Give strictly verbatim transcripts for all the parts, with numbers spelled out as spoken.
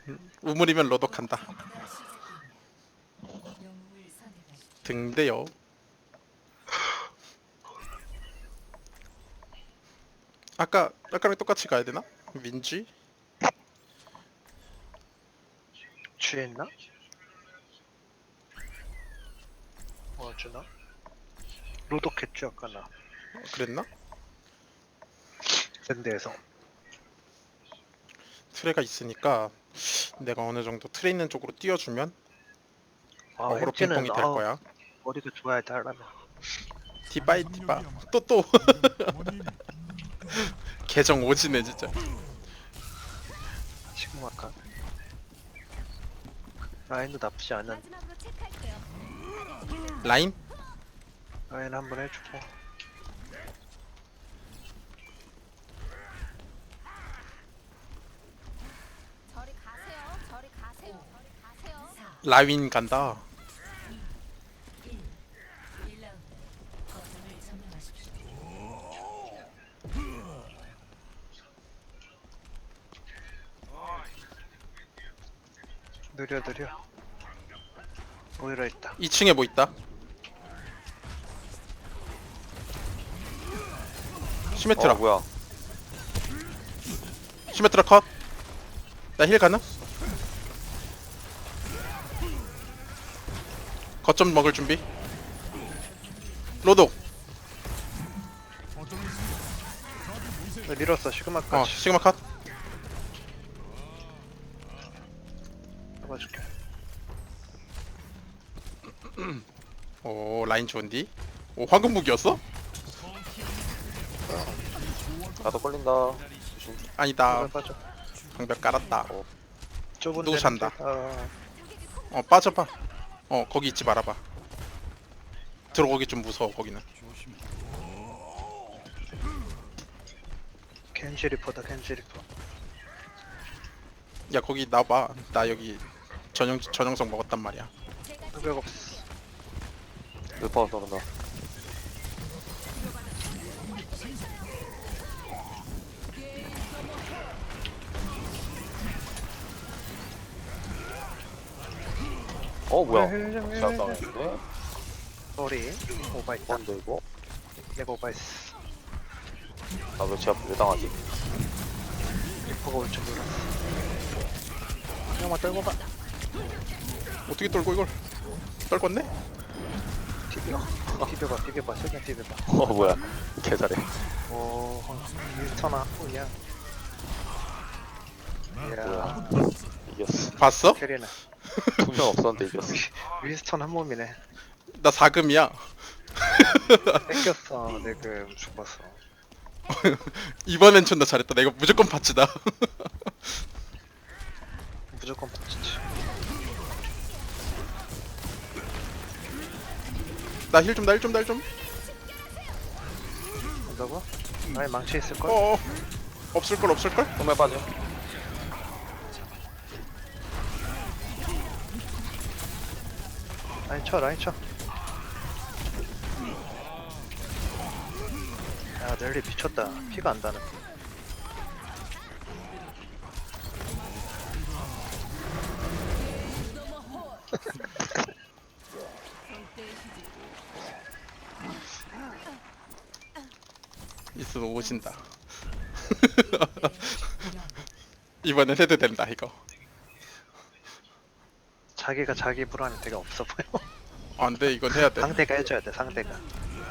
우물이면 로독한다. 등대요. 아까 아까랑 똑같이 가야 되나? 민지? 취했나? 뭐 어쩌나? 로독했죠 아까 나 어, 그랬나? 밴드에서. 트레가 있으니까 내가 어느 정도 트레 있는 쪽으로 뛰어주면 아 어그로 햄찌는 핑퐁이 될 아 거야. 머리가 좋아야 돼 하려면. 디바이 디바. 또 또. 계정 오지네 진짜. 지금 아까 라인도 나쁘지 않은. 마지막으로 체크할게요. 라인? 라인 한번 해주고. 저리 가세요. 저리 가세요. 저리 가세요. 라윈 간다. 느려 느려. 오히려 있다. 이 층에 뭐 있다? 시메트라. 어 뭐야? 시메트라 컷. 나 힐 가나? 거점 먹을 준비. 로독. 나 밀었어 어 시그마까지. 시그마 컷. 잡아줄게. 오 라인 좋은디? 오 황금 무기였어? 나도 걸린다. 조심. 아니다. 빠져. 방벽 깔았다. 좁은 누구 데는 산다? 좀- 아, 어 빠져봐. 어 거기 있지 말아봐. 들어오기 좀 무서워 거기는. 겐지 리퍼다 겐지 리퍼. 야 거기 나봐. 나 여기 전용 전용성 먹었단 말이야. 흑백 없어. 루퍼 쏘는다. 어 뭐야? 제압 당했는데? 소리 오바있다. 뭔데 이거? 내가 오바했어. 나왜 제압 왜 당하지? 리퍼가 올 줄 몰랐어. 형만 떨고 가. 어떻게 떨고 이걸? 떨궜네? 비벼. 비벼봐 비벼봐 세게 비벼봐. 어 뭐야? 개 잘해. 오 윈스턴아 오야. 이야 뭐야? 이겼어. 봤어? 캐리는 두 명 없었는데 이겼어. 윈스턴 한 몸이네. 나 사금이야. 뺏겼어 내그 죽었어. 이번엔 존나 잘했다. 내가 무조건 받치다. 무조건 받치지. 나 힐 좀, 나 힐 좀, 나 힐 좀. 온다고? 아니 망치 있을걸? 어어. 없을걸, 없을걸? 정말 빠져. 라인 쳐 라인 쳐. 야 넬리 미쳤다. 피가 안 다는. 있으면 오신다. 이번엔 해도 된다, 이거. 자기가 자기 불안이 되게 없어 보여. 안 돼, 이건 해야 돼. 상대가 해줘야 돼 상대가.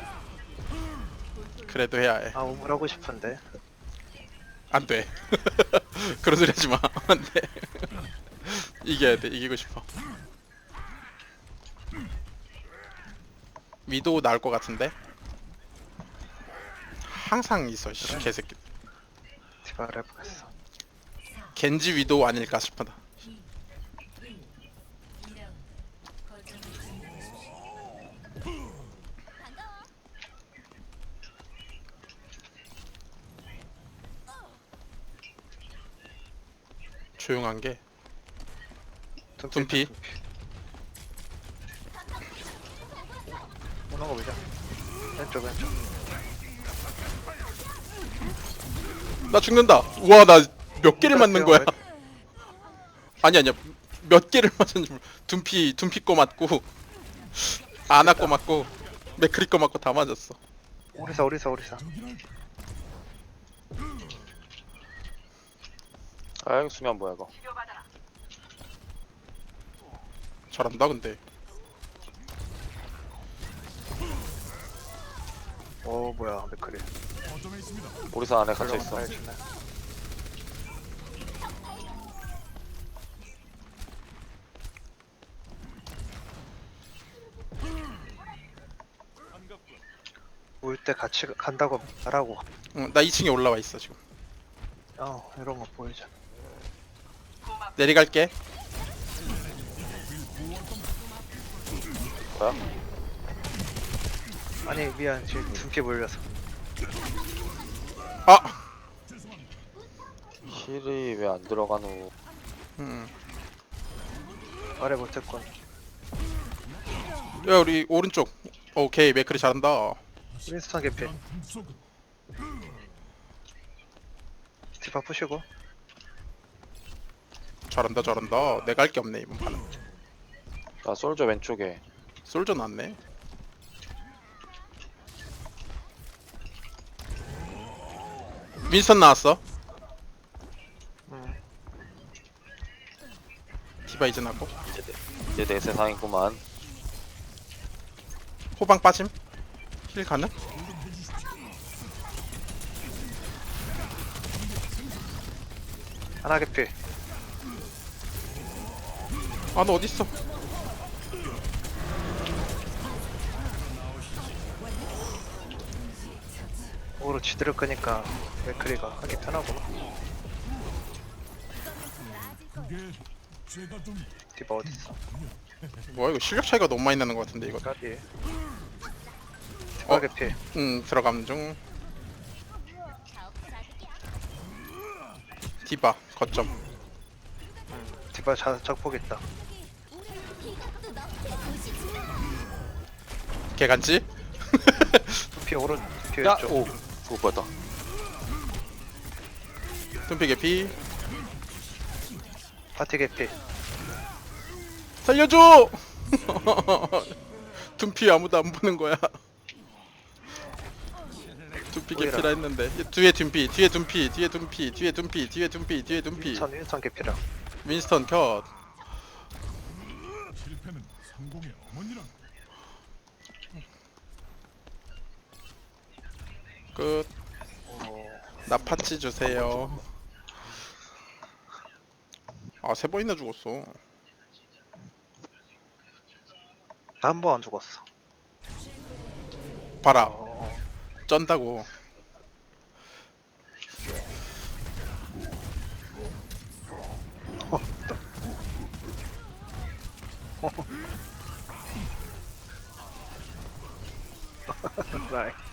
그래도 해야 해. 아 우물하고 싶은데. 안 돼. 그런 소리 하지 마. 안 돼. 이겨야 돼, 이기고 싶어. 위도우 나올 것 같은데? 항상 있어, 씨, 개새끼. 디바를 해보겠어. 겐지 위도우 아닐까 싶다. 조용한 게 둠피. 오는 거 보자. 왼쪽 왼쪽. 나 죽는다. 우와 나 몇 개를 맞는 거야. 아니 아니야 몇 개를 맞았는지 몰라. 둔피 둔피 거 맞고 아나 거 맞고 맥크리 거 맞고 다 맞았어. 오리사 오리사 오리사. 아 이거 수면 뭐야 이거. 잘한다 근데. 오 뭐야 맥크리. 오리사 안에 갇혀 있어. 빨리 주네. 올 때 같이 간다고 말하고. 응, 나 이 층에 올라와 있어 지금. 어 이런 거 보이잖아. 내려갈게. 뭐야? 아니 미안 지금 둔피 몰려서. 아. 힐이 왜 안 들어가노? 음. 말해 못했군. 야 우리 오른쪽. 오케이 맥크리 잘한다. 윈스턴 개피. 디바 푸시고. 잘한다 잘한다. 내가 할 게 없네 이번 판은. 나 솔저 왼쪽에. 솔저 났네. 윈스턴 나왔어. 음. 디바 이제 나고. 이제 내, 이제 내 세상이구만. 호방 빠짐. 힐 가능? 하나 개피. 아 너 어딨어? 오로 지드를 끄니까 맥크리가 하기 편하구나. 디바 어딨어? 뭐야 이거 실력 차이가 너무 많이 나는 것 같은데 이거. 까비. 디바 어? 개피. 응 들어감 중. 디바 거점. 디바 자, 작폭 있다. 개간지? 둔피 오른. 둔피 야! 왼쪽. 오! 그거 뭐였다. tum피 개피. 파티 개피. 살려줘! tum피 아무도 안 보는 거야. tum피 보이라. 개피라 했는데 뒤에 tum피 뒤에 tum피 뒤에 tum피 뒤에 tum피 뒤에 tum피 뒤에 tum피. 윈스턴 윈스턴 개피라. 윈스턴 컷. 실패는 성공의 어머니라. 끝. 오. 나 파츠 주세요. 아 세 번이나 죽었어. 나 한 번 안 죽었어. 봐라 어. 쩐다고. 나이.